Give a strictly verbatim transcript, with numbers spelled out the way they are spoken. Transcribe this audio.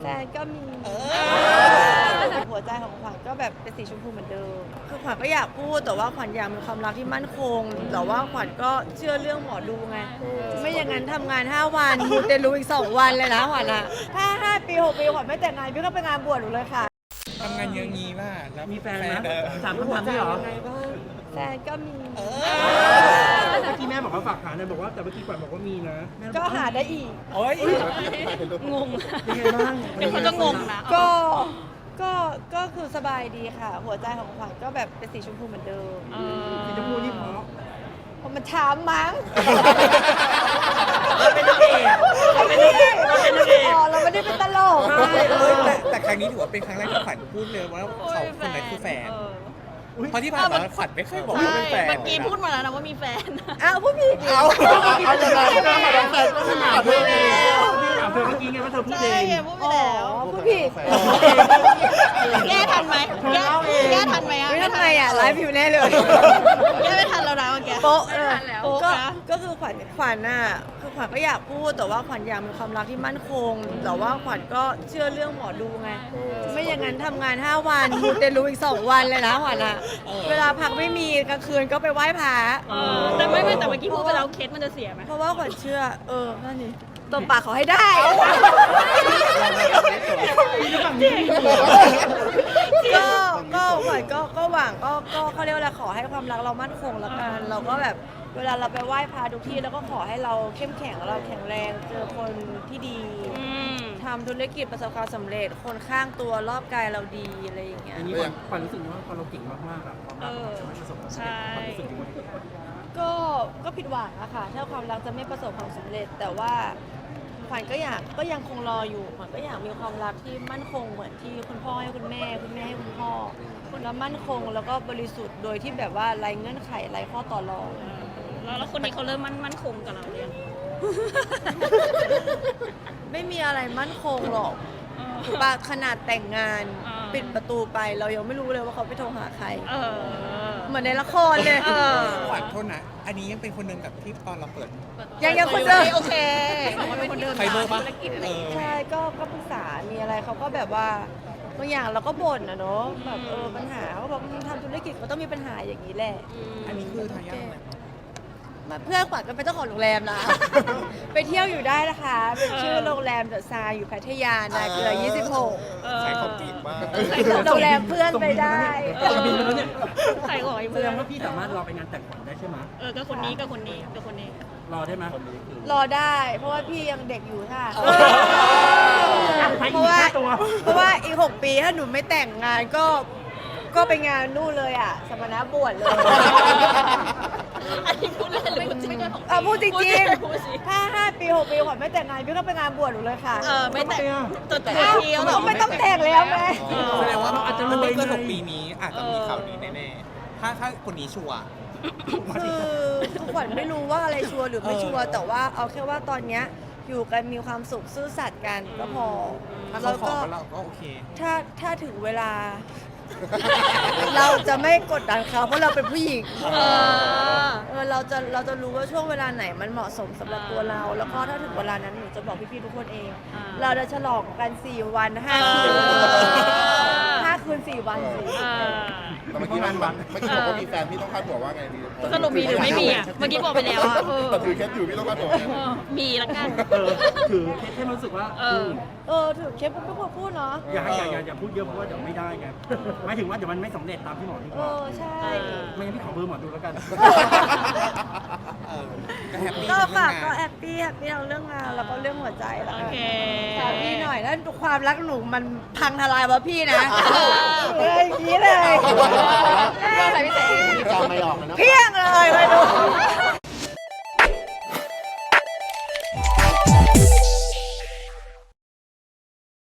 แฟนก็มีหัวใจของขวัญก็แบบเป็นสีชมพูเหมือนเดิมคือขวัญก็อยากพูดแต่ว่าขวัญอยากมีความรักที่มั่นคงแต่ว่าขวัญก็เชื่อเรื่องหมอดูไงไม่อย่างนั้นทำงานห้าวันมูเตลูอีกสองวันเลยนะขวัญอะถ้าห้าปีหกปีขวัญไม่แต่งงานพี่ก็ไปงานบวชหนูเลยค่ะทำงานเยอะงี้ป่ะแล้วมีแฟนไหมถามคำถามนี้เหรอแฟนก็มีเมื่อกี้แม่บอกว่าฝากหาเลยบอกว่าแต่เมื่อกี้ขวัญบอกว่ามีนะก็หาได้อีกโอ้ยงงยังไงบ้างเดี๋ยวเขาจะงงนะก็ก็ก็คือสบายดีค่ะ หัวใจของขวัญก็แบบเป็นสีชมพูเหมือนเดิมสีชมพูนี่เพราะเพราะมันช้ำมั้งเป็นนางเอกเป็นนางเอกเป็นนางเอกอ๋อเราไม่ได้เป็นตลกแต่แต่ครั้งนี้ถือว่าเป็นครั้งแรกที่ขวัญพูดเลยว่าเขาคนนั้นคือแฟนเพราะที่ผ่านมาขวัญไม่เคยบอกว่าเป็นแฟนเมื่อกี้พูดมาแล้วนะว่ามีแฟนอ้าวพูดผิดเอาเอาเลยก็หาแฟนก็หาด้วยแล้วถามเธอเมื่อกี้ไงว่าเธอพูดเองใช่พูดไปแล้วพูดผิดแก้ทันไหมแก้แก้ทันไหมอ่ะไม่ทำไมอ่ะไลฟ์อยู่แน่เลยแก้ไม่ทันแล้วนะเมื่อกี้โป๊ะเลยก็ก็คือขวัญขวัญน่ะคือขวัญก็อยากพูดแต่ว่าขวัญอยากมีความรักที่มั่นคงแต่ว่าขวัญก็เชื่อเรื่องหมอดูไงไม่อย่างนั้นทำงานห้าวันมูเตลูอีกสองวันเลยนะขวัญอะเวลาพักไม่มีกลางคืนก็ไปไหว้พระแต่ไม่ไม่แต่เมื่อกี้พูดไปแล้วเคสมันจะเสียไหมเพราะว่าขวัญเชื่อเออนั่นนี่ตบปากเขาให้ได้ก็ก็ขวัญก็ก็หวังก็ก็เขาเรียกว่าอะไรขอให้ความรักเรามั่นคงแล้วกันเราก็แบบเวลาเราไปไหว้พระทุกที่แล้วก็ขอให้เราเข้มแข็งเราแข็งแรงเจอคนที่ดีทำธุรกิจประสบความสำเร็จคนข้างตัวรอบกายเราดีอะไรอย่างเงี้ยอันนี้ขวัญรู้สึกว่าเราเก่งมากๆอะความรักจะไม่ประสบความสำเร็จความรู้สึกยังไงก็ก็ผิดหวังอะค่ะถ้าความรักจะไม่ประสบความสำเร็จแต่ว่าขวัญก็อยากก็ยังคงรออยู่ขวัญก็อยากมีความรักที่มั่นคงเหมือนที่คุณพ่อให้คุณแม่คุณแม่ให้คุณพ่อแล้วมั่นคงแล้วก็บริสุทธิ์โดยที่แบบว่าไร้เงื่อนไขไร้ข้อต่อรองแล้วคนนี้เขาเริ่มมั่นมั่นคงกับเราเรียงไม่มีอะไรมั่นคงหรอกถูกปะขนาดแต่งงานปิดประตูไปเรายังไม่รู้เลยว่าเขาไปโทรหาใครเหมือนในละครเลยขวัญโทษนะอันนี้ยังเป็นคนเดิมกับที่ตอนเราเปิดยังยังคนเดิมโอเคเป็นคนเดิมใครเบอร์ปะใช่ก็ก็ปรึกษามีอะไรเขาก็แบบว่าบางอย่างเราก็บ่นนะเนาะแบบเออปัญหาเขาบอกทำธุรกิจเขาต้องมีปัญหาอย่างนี้แหละอันนี้คือทายาทมาเพื่อนขวัญก็เป็นเจ้าของโรงแรมนะไปเที่ยวอยู่ได้นะคะเป็นชื่อโรงแรมเดอะซาอยู่พัทยานาเกลือยี่สิบหกใช้ของจริงมากโรงแรมเพื่อนไปได้ใครบอกไอ้แสเพื่ดอนงว่าพี่สามารถรอไปงานแต่งขวัญได้ใช่ไหมเออก็คนนี้ก็คนนี้ก็คนนี้รอได้ไหมรอได้เพราะว่าพี่ยังเด็กอยู่ค่ะเพราะว่าเพราะว่าอีกหกปีถ้าหนูไม่แต่งงานก็ก็ไปงานนู่นเลยอ่ะสมณบวชเลยอันนี้พูดเล่นหรือพูดจริงอ่ะพูดจริงๆถ้าห้าปีหกปีขวัญไม่แต่งงานพี่ก็ไปงานบวชหนูเลยค่ะเออไม่แต่งตัวแต่เที่ยวไม่ต้องแต่งแล้วไงแสดงว่าอาจจะไม่เกินหกปีนี้อาจจะมีข่าวดีแน่ๆถ้าถ้าคนนี้ชัวร์คือขวัญไม่รู้ว่าอะไรชัวร์หรือไม่ชัวร์แต่ว่าเอาแค่ว่าตอนเนี้ยอยู่กันมีความสุขซื่อสัตย์กันก็พอแล้วก็เราก็โอเคถ้าถ้าถึงเวลาเราจะไม่กดดันเขาเพราะเราเป็นผู้หญิงเออเราจะเราจะรู้ว่าช่วงเวลาไหนมันเหมาะสมสำหรับตัวเราแล้วก็ถ้าถึงเวลานั้นหนูจะบอกพี่ๆทุกคนเองเราจะฉลองกันสี่วันห้าคืนห้าคืนสี่วันสิแต่เมื่อกี้มันเมื่อกี้บอกว่ามีแฟนพี่ต้องคาดหวังว่าไงดีสรุปมีหรือไม่มีอ่ะเมื่อกี้บอกไปแล้วอ่ะแต่ถือเคสอยู่พี่ต้องคาดหวังมีแล้วกันถือเคสให้รู้สึกว่าเออเออถือเคสไม่ควรพูดเนาะอย่าอย่าอย่าอย่าพูดเยอะเพราะว่าเดี๋ยวไม่ได้ไงหมายถึงว่าเดี๋ยวมันไม่สำเร็จตามที่หมอที่บอกเออใช่ไม่งั้นพี่ขอเบอร์หมอดูแล้วกันก็ฝากก็แฮปปี้แฮปปี้ทั้งเรื่องงานแล้วก็เรื่องหัวใจแล้วกันฝากพี่หน่อยถ้าความรักหนูมันพังทลายวะพี่นะเลยอย่างนี้เลยจำไม่ออกเลยนะเพี้ยงเลยไปดู